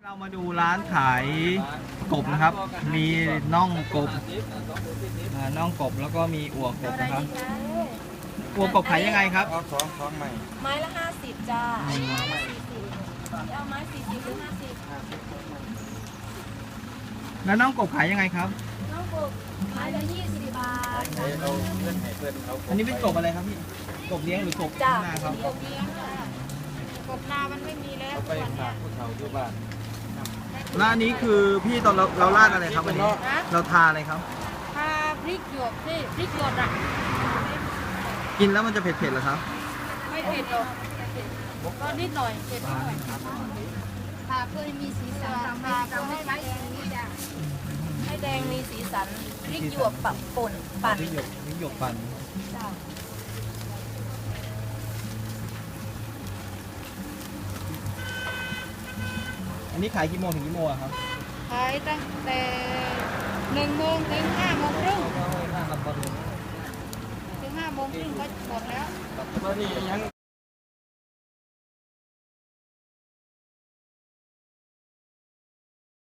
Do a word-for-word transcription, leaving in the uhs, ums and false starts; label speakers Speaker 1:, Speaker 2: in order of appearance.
Speaker 1: เรามาดูร้านขายกบนะครับ มีน่องกบอ่าน่องกบแล้วก็มีอั่วกบนะครับอั่วกบขายยังไงครับ
Speaker 2: เอาสองสองใหม่
Speaker 3: ไม้ละห้าสิบจ้าไม้ละสี่สิบเอาไม้สี่สิบหรือห้าสิบ
Speaker 1: แล้วน่องกบขายยังไงครับ
Speaker 3: น้องกบไม้ละยี่สิบบาท
Speaker 2: เฮ้ยเราเพื่อนให้เพื่อนเขา
Speaker 1: อันนี้เป็นกบอะไรครับพี่ กบเลี้ยงหรือกบ
Speaker 3: จ้า
Speaker 1: นาครับ
Speaker 3: กบเลี้ยงจ้ากบนามันไม่มีแล้ว
Speaker 2: เอาไปฝากผู้เฒ่าอยู่บ้าน
Speaker 1: แล้วอันนี้คือพี่ตอนเราเราราดอะไรครับอันนี้เราทาอะไรครับ
Speaker 3: ทาพริกหยวกนี่พริกหยวกอ่ะ
Speaker 1: กินแล้วมันจะเผ็ดๆเหรอครับ
Speaker 3: ไม่เผ็ดหรอกก็นิดหน่อยเผ็ดนิดหน่อยทาเพื่อให้มีสีสันทาเพื่อให้แดงนี่จ้ะให้แดงมีสีสันพริกหยวกปักป่นปั่น
Speaker 1: พริกหยกพริกหยกปั่น
Speaker 3: จ้า
Speaker 1: อันนี้ขายกี่โมงถึงกี่โมงอะครับ
Speaker 3: ขายตั้งแต่หนึ่งโมงถึงห้าโมงครึ่งถึงห้าโมงครึ่งก็หมดแล้ว
Speaker 2: ตอนนี้ยัง